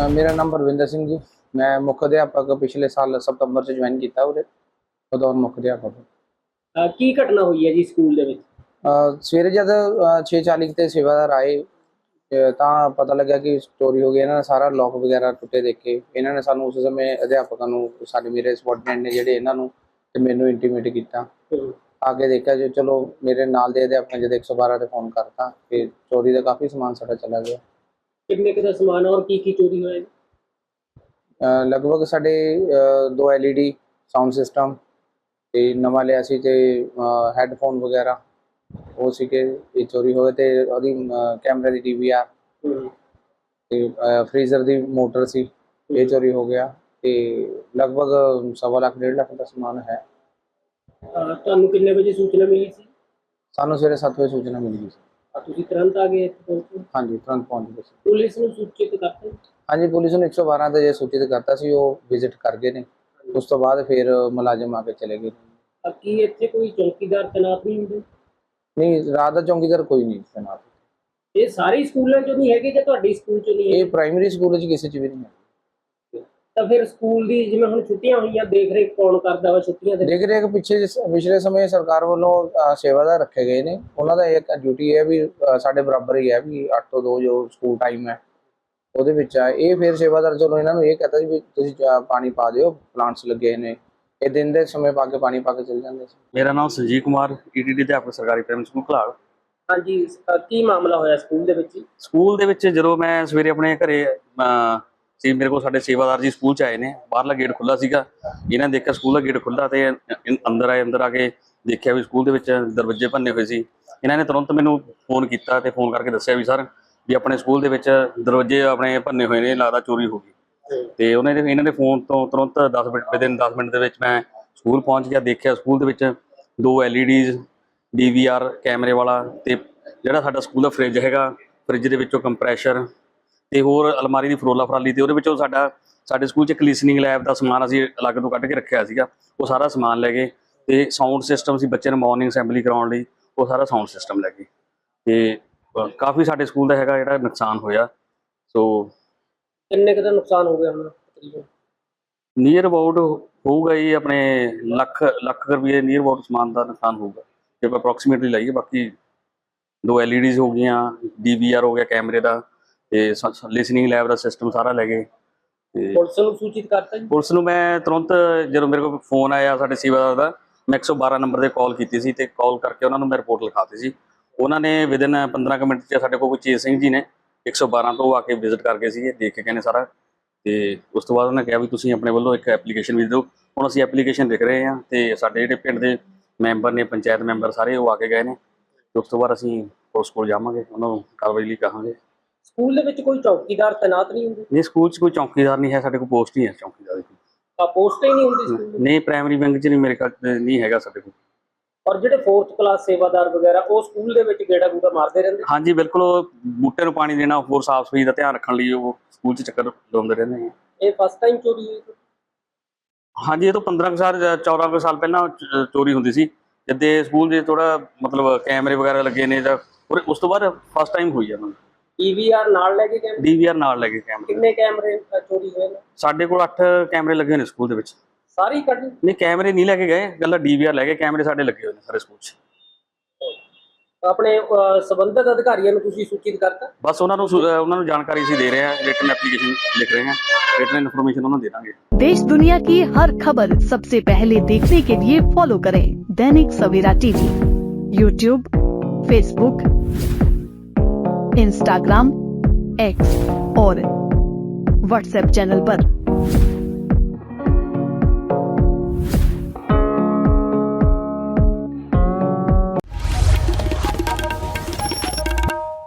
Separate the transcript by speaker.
Speaker 1: ਮੇਰਾ ਨਾਮ ਪਰਵਿੰਦਰ ਸਿੰਘ ਜੀ। ਮੈਂ ਮੁੱਖ ਅਧਿਆਪਕ ਪਿਛਲੇ ਸਾਲ ਸਤੰਬਰ 'ਚ ਜੁਆਇਨ ਕੀਤਾ ਉਰੇ, ਬਤੌਰ ਮੁੱਖ ਅਧਿਆਪਕ।
Speaker 2: ਕੀ ਘਟਨਾ ਹੋਈ ਹੈ ਜੀ ਸਕੂਲ ਦੇ ਵਿੱਚ?
Speaker 1: ਸਵੇਰੇ ਜਦ 6:40 ਤੇ ਸੇਵਾਦਾਰ ਆਏ ਤਾਂ ਪਤਾ ਲੱਗਿਆ ਕਿ ਚੋਰੀ ਹੋ ਗਈ। ਇਹਨਾਂ ਨੇ ਸਾਰਾ ਲੋਕ ਵਗੈਰਾ ਟੁੱਟੇ ਦੇਖੇ। ਇਹਨਾਂ ਨੇ ਸਾਨੂੰ ਉਸ ਸਮੇਂ ਅਧਿਆਪਕਾਂ ਨੂੰ, ਸਾਡੇ ਮੇਰੇ ਸਬੋਰਡੀਨੇਟ ਨੇ ਜਿਹੜੇ, ਇਹਨਾਂ ਨੂੰ ਤੇ ਮੈਨੂੰ ਇੰਟੀਮੇਟ ਕੀਤਾ। ਆ ਕੇ ਦੇਖਿਆ ਜੀ, ਚਲੋ ਮੇਰੇ ਨਾਲ ਦੇ ਅਧਿਆਪਕਾਂ ਜਦ 112 ਤੇ ਫੋਨ ਕਰਤਾ ਕਿ ਚੋਰੀ ਦਾ ਕਾਫੀ ਸਮਾਨ ਸਾਡਾ ਚਲਾ ਗਿਆ।
Speaker 2: ਕਿੰਨੇ ਕੁ ਦਾ ਸਮਾਨ ਔਰ ਕੀ ਚੋਰੀ ਹੋਇਆ ਜੀ?
Speaker 1: ਲਗਭਗ ਸਾਡੇ 2 LED ਸਾਊਂਡ ਸਿਸਟਮ ਤੇ ਨਵਾਂ ਲਿਆ ਸੀ ਤੇ ਹੈੱਡਫੋਨ ਵਗੈਰਾ ਉਹ ਸੀ ਕਿ ਇਹ ਚੋਰੀ ਹੋ ਗਏ। ਤੇ ਉਹਦੀ ਕੈਮਰੇ ਦੀ DVR ਤੇ ਫ੍ਰੀਜ਼ਰ ਦੀ ਮੋਟਰ ਸੀ, ਇਹ ਚੋਰੀ ਹੋ ਗਿਆ। ਤੇ ਲਗਭਗ 1.25 ਲੱਖ 1.5 ਲੱਖ ਦਾ ਸਮਾਨ ਹੈ।
Speaker 2: ਤੁਹਾਨੂੰ ਕਿੰਨੇ ਵਜੇ ਸੂਚਨਾ ਮਿਲੀ ਸੀ?
Speaker 1: ਸਾਨੂੰ ਸਵੇਰੇ 7 ਵਜੇ ਸੂਚਨਾ ਮਿਲੀ ਸੀ।
Speaker 2: ਤੁਸੀਂ ਤੁਰੰਤ ਆ ਗਏ ਇੱਥੇ ਪਹੁੰਚੇ?
Speaker 1: ਹਾਂਜੀ, ਤੁਰੰਤ ਪਹੁੰਚ ਗਏ ਸੀ।
Speaker 2: ਪੁਲਿਸ ਨੂੰ ਸੂਚਿਤ ਕਰਤਾ?
Speaker 1: ਹਾਂਜੀ, ਪੁਲਿਸ ਨੂੰ 112 ਤੇ ਜੇ ਸੂਚਿਤ ਕਰਤਾ ਸੀ, ਉਹ ਵਿਜ਼ਿਟ ਕਰ ਗਏ ਨੇ। ਉਸ ਤੋਂ ਬਾਅਦ ਫਿਰ ਮੁਲਾਜ਼ਮ ਆ ਕੇ ਚਲੇ ਗਏ।
Speaker 2: ਕੀ ਇੱਥੇ ਕੋਈ ਚੌਕੀਦਾਰ ਤੈਨਾਤ ਨਹੀਂ ਹੁੰਦੇ?
Speaker 1: ਨਹੀਂ, ਰਾਤ ਦਾ ਚੌਕੀਦਾਰ ਕੋਈ ਨਹੀਂ ਤੈਨਾਤ।
Speaker 2: ਇਹ ਸਾਰੇ ਸਕੂਲਾਂ 'ਚ ਨਹੀਂ ਹੈਗੇ ਜਾਂ ਤੁਹਾਡੇ ਸਕੂਲ 'ਚ ਨਹੀਂ ਹੈ?
Speaker 1: ਇਹ ਪ੍ਰਾਇਮਰੀ ਸਕੂਲ 'ਚ ਕਿਸੇ 'ਚ ਵੀ ਨਹੀਂ ਹੈ।
Speaker 2: ਤਾਂ ਫਿਰ ਸਕੂਲ ਦੀ ਜਿਵੇਂ ਹੁਣ ਛੁੱਟੀਆਂ ਹੋਈਆਂ, ਦੇਖ ਰੇਖ ਕੌਣ ਕਰਦਾ ਵਾ ਛੁੱਟੀਆਂ ਦੇ?
Speaker 1: ਦੇਖ ਰੇਖ ਪਿਛਲੇ ਸਮੇਂ ਸਰਕਾਰ ਵੱਲੋਂ ਸੇਵਾਦਾਰ ਰੱਖੇ ਗਏ ਨੇ। ਉਹਨਾਂ ਦਾ ਇੱਕ ਡਿਊਟੀ ਹੈ ਵੀ ਸਾਡੇ ਬਰਾਬਰ ਹੀ ਹੈ ਵੀ 8 ਤੋਂ 2 ਜੋ ਸਕੂਲ ਟਾਈਮ ਹੈ ਉਹਦੇ ਵਿੱਚ ਆ। ਇਹ ਫਿਰ ਸੇਵਾਦਾਰ ਚਲੋ ਇਹਨਾਂ ਨੂੰ ਇਹ ਕਹਤਾ ਸੀ ਵੀ ਤੁਸੀਂ ਪਾਣੀ ਪਾ ਦਿਓ, ਪਲਾਂਟਸ ਲੱਗੇ ਨੇ। ਇਹ ਦਿਨ ਦੇ ਸਮੇਂ ਪਾ ਕੇ ਪਾਣੀ ਪਾ ਕੇ ਚਲ ਜਾਂਦੇ ਸੀ।
Speaker 3: ਮੇਰਾ ਨਾਮ ਸੰਜੀਵ ਕੁਮਾਰ, ETD ਅਧਿਆਪਕ ਸਰਕਾਰੀ ਪ੍ਰਾਇਮਰੀ ਸਕੂਲ ਘਲਾਲ।
Speaker 2: ਹਾਂਜੀ, ਕੀ ਮਾਮਲਾ ਹੋਇਆ ਸਕੂਲ ਦੇ ਵਿੱਚ?
Speaker 3: ਸਕੂਲ ਦੇ ਵਿੱਚ ਜਦੋਂ ਮੈਂ ਸਵੇਰੇ ਆਪਣੇ ਘਰੇ ਸੀ, ਮੇਰੇ ਕੋਲ ਸਾਡੇ ਸੇਵਾਦਾਰ ਜੀ ਸਕੂਲ 'ਚ ਆਏ ਨੇ। ਬਾਹਰਲਾ ਗੇਟ ਖੁੱਲ੍ਹਾ ਸੀਗਾ, ਇਹਨਾਂ ਨੇ ਦੇਖਿਆ ਸਕੂਲ ਦਾ ਗੇਟ ਖੁੱਲ੍ਹਾ ਤੇ ਅੰਦਰ ਆ ਕੇ ਦੇਖਿਆ ਵੀ ਸਕੂਲ ਦੇ ਵਿੱਚ ਦਰਵਾਜ਼ੇ ਭੰਨੇ ਹੋਏ ਸੀ। ਇਹਨਾਂ ਨੇ ਤੁਰੰਤ ਮੈਨੂੰ ਫੋਨ ਕੀਤਾ ਤੇ ਫੋਨ ਕਰਕੇ ਦੱਸਿਆ ਵੀ ਸਰ ਵੀ ਆਪਣੇ ਸਕੂਲ ਦੇ ਵਿੱਚ ਦਰਵਾਜ਼ੇ ਆਪਣੇ ਭੰਨੇ ਹੋਏ ਨੇ, ਲੱਗਦਾ ਚੋਰੀ ਹੋ ਗਈ। ਤੇ ਇਹਨਾਂ ਦੇ ਫੋਨ ਤੋਂ ਤੁਰੰਤ 10 ਮਿੰਟ ਦੇ ਵਿੱਚ ਮੈਂ ਸਕੂਲ ਪਹੁੰਚ ਗਿਆ। ਦੇਖਿਆ ਸਕੂਲ ਦੇ ਵਿੱਚ 2 LEDs DVR ਕੈਮਰੇ ਵਾਲਾ ਤੇ ਜਿਹੜਾ ਸਾਡਾ ਸਕੂਲ ਦਾ ਫਰਿੱਜ ਹੈਗਾ, ਫਰਿੱਜ ਦੇ ਵਿੱਚੋਂ ਕੰਪਰੈਸ਼ਰ ਤੇ ਹੋਰ ਅਲਮਾਰੀ ਦੀ ਫਰੋਲਾ ਫਰਾਲੀ ਤੇ ਉਹਦੇ ਵਿੱਚੋਂ ਸਾਡੇ ਸਕੂਲ 'ਚ ਇੱਕ ਲਿਸਨਿੰਗ ਲੈਬ ਦਾ ਸਮਾਨ ਅਸੀਂ ਅਲੱਗ ਤੋਂ ਕੱਢ ਕੇ ਰੱਖਿਆ ਸੀਗਾ, ਉਹ ਸਾਰਾ ਸਮਾਨ ਲੈ ਗਏ। ਤੇ ਸਾਊਂਡ ਸਿਸਟਮ ਸੀ ਬੱਚੇ ਨੂੰ ਮਾਰਨਿੰਗ ਅਸੈਂਬਲੀ ਕਰਾਉਣ ਲਈ, ਉਹ ਸਾਰਾ ਸਾਊਂਡ ਸਿਸਟਮ ਲੈ ਗਏ। ਤੇ ਕਾਫੀ ਸਾਡੇ ਸਕੂਲ ਦਾ ਹੈਗਾ ਜਿਹੜਾ ਨੁਕਸਾਨ ਹੋਇਆ। ਸੋ
Speaker 2: ਕਿੰਨੇ ਕੁ ਦਾ ਨੁਕਸਾਨ ਹੋ ਗਿਆ ਹੁਣ ਤਕਰੀਬਨ?
Speaker 3: ਨੀਅਰ ਅਬਾਊਟ ਹੋਊਗਾ ਜੀ ਆਪਣੇ ਲੱਖ ਰੁਪਏ ਨੀਅਰ ਅਬਾਊਟ ਸਮਾਨ ਦਾ ਨੁਕਸਾਨ ਹੋਊਗਾ ਜੇ ਆਪਾਂ ਅਪਰੋਕਸੀਮੇਟਲੀ ਲਾਈਏ। ਬਾਕੀ 2 LEDs ਹੋ ਗਈਆਂ, DVR ਹੋ ਗਿਆ ਕੈਮਰੇ ਦਾ ਤੇ ਲਿਸਨਿੰਗ ਲੈਬ ਦਾ ਸਿਸਟਮ ਸਾਰਾ ਲੈ ਗਏ। ਤੇ
Speaker 2: ਪੁਲਿਸ ਨੂੰ ਸੂਚਿਤ ਕਰਤਾ ਜੀ?
Speaker 3: ਪੁਲਿਸ ਨੂੰ ਮੈਂ ਤੁਰੰਤ ਜਦੋਂ ਮੇਰੇ ਕੋਲ ਫੋਨ ਆਇਆ ਸਾਡੇ ਸੇਵਾਦਾਰ ਦਾ, ਮੈਂ 112 ਨੰਬਰ ਤੇ ਕਾਲ ਕੀਤੀ ਸੀ ਤੇ ਕਾਲ ਕਰਕੇ ਉਹਨਾਂ ਨੂੰ ਮੈਂ ਰਿਪੋਰਟ ਲਿਖਾਤੀ ਸੀ। ਉਹਨਾਂ ਨੇ ਵਿਦਿਨ 15 ਕੁ ਮਿੰਟ 'ਚ ਸਾਡੇ ਕੋਲ ਚੇਤ ਸਿੰਘ ਜੀ ਨੇ 112 ਤੋਂ ਆ ਕੇ ਵਿਜ਼ਿਟ ਕਰ ਗਏ ਸੀਗੇ, ਦੇਖ ਕੇ ਕਹਿੰਦੇ ਸਾਰਾ। ਤੇ ਉਸ ਤੋਂ ਬਾਅਦ ਉਹਨਾਂ ਕਿਹਾ ਵੀ ਤੁਸੀਂ ਆਪਣੇ ਵੱਲੋਂ ਇੱਕ ਐਪਲੀਕੇਸ਼ਨ ਵੀ ਦਿਓ। ਹੁਣ ਅਸੀਂ ਐਪਲੀਕੇਸ਼ਨ ਲਿਖ ਰਹੇ ਹਾਂ ਤੇ ਸਾਡੇ ਜਿਹੜੇ ਪਿੰਡ ਦੇ ਮੈਂਬਰ ਨੇ, ਪੰਚਾਇਤ ਮੈਂਬਰ ਸਾਰੇ, ਉਹ ਆ ਕੇ ਗਏ ਨੇ। ਤੇ ਉਸ ਤੋਂ ਬਾਅਦ ਅਸੀਂ ਪੁਲਿਸ ਕੋਲ ਜਾਵਾਂਗੇ, ਉਹਨਾਂ ਨੂੰ ਕਾਰਵਾਈ ਲਈ ਕਹਾਂਗੇ।
Speaker 2: ਸਕੂਲ ਦੇ ਵਿੱਚ ਕੋਈ ਚੌਕੀਦਾਰ ਤੈਨਾਤ ਨਹੀਂ ਹੁੰਦੇ?
Speaker 3: ਨਹੀਂ, ਸਕੂਲ 'ਚ ਕੋਈ ਚੌਕੀਦਾਰ ਨਹੀਂ ਹੈ, ਸਾਡੇ ਕੋਲ ਪੋਸਟ ਹੀ ਹੈ ਚੌਕੀਦਾਰ ਦੀ।
Speaker 2: ਪੋਸਟ ਹੀ ਨਹੀਂ ਹੁੰਦੀ ਸਕੂਲ?
Speaker 3: ਨਹੀਂ, ਪ੍ਰਾਇਮਰੀ ਵਿੰਗ 'ਚ ਨਹੀਂ, ਮੇਰੇ ਕੋਲ ਨਹੀਂ ਹੈਗਾ ਸਾਡੇ ਕੋਲ।
Speaker 2: ਔਰ ਜਿਹੜੇ 4th ਕਲਾਸ ਸੇਵਾਦਾਰ ਵਗੈਰਾ ਉਹ ਸਕੂਲ ਦੇ ਵਿੱਚ ਗੇੜਾ ਗੂੜਾ ਮਾਰਦੇ ਰਹਿੰਦੇ?
Speaker 3: ਹਾਂਜੀ ਬਿਲਕੁਲ, ਉਹ ਬੂਟੇ ਨੂੰ ਪਾਣੀ ਦੇਣਾ, ਹੋਰ ਸਾਫ਼ ਸਫਾਈ ਦਾ ਧਿਆਨ ਰੱਖਣ ਲਈ ਉਹ ਸਕੂਲ 'ਚ ਚੱਕਰ ਲਾਉਂਦੇ ਰਹਿੰਦੇ ਨੇ।
Speaker 2: ਇਹ ਫਸਟ ਟਾਈਮ ਚੋਰੀ ਹੋਈ?
Speaker 3: ਹਾਂਜੀ, ਇਹ ਤੋਂ 15 ਸਾਲ 14 ਸਾਲ ਪਹਿਲਾਂ ਚੋਰੀ ਹੁੰਦੀ ਸੀ, ਜਿੱਦੇ ਸਕੂਲ ਦੇ ਥੋੜਾ ਮਤਲਬ ਕੈਮਰੇ ਵਗੈਰਾ ਲੱਗੇ ਨੇ ਜਾਂ ਉਸ ਤੋਂ ਬਾਅਦ ਫਸਟ ਟਾਈਮ ਹੋਈ ਆ।
Speaker 2: DVR ਨਾਲ ਲੈ ਕੇ ਕੈਮਰੇ?
Speaker 3: DVR ਨਾਲ ਲੈ ਕੇ ਕੈਮਰੇ।
Speaker 2: ਕਿੰਨੇ ਕੈਮਰੇ ਚੋਰੀ ਹੋਏ ਨੇ?
Speaker 3: ਸਾਡੇ ਕੋਲ 8 ਕੈਮਰੇ ਲੱਗੇ ਨੇ ਸਕੂਲ ਦੇ ਵਿੱਚ।
Speaker 2: ਸਾਰੇ ਕੱਢ? ਨਹੀਂ,
Speaker 3: ਕੈਮਰੇ ਨਹੀਂ ਲੈ ਕੇ ਗਏ, ਗੱਲਾਂ DVR ਲੈ ਕੇ, ਕੈਮਰੇ ਸਾਡੇ ਲੱਗੇ ਹੋਏ ਨੇ ਸਾਰੇ ਸਕੂਲ 'ਚ।
Speaker 2: ਆਪਣੇ ਸੰਬੰਧਿਤ ਅਧਿਕਾਰੀਆਂ ਨੂੰ ਤੁਸੀਂ ਸੂਚਿਤ ਕਰਤਾ?
Speaker 3: ਬਸ ਉਹਨਾਂ ਨੂੰ ਜਾਣਕਾਰੀ ਅਸੀਂ ਦੇ ਰਹੇ ਹਾਂ, ਰਿਟਨ ਐਪਲੀਕੇਸ਼ਨ लिख रहे हैं, रिटन इन्फॉर्मेशन उन्हें दे देंगे।
Speaker 4: देश दुनिया की हर खबर सबसे पहले देखने के लिए फॉलो करें Dainik Savera TV, YouTube, Facebook, Instagram, X और WhatsApp चैनल पर।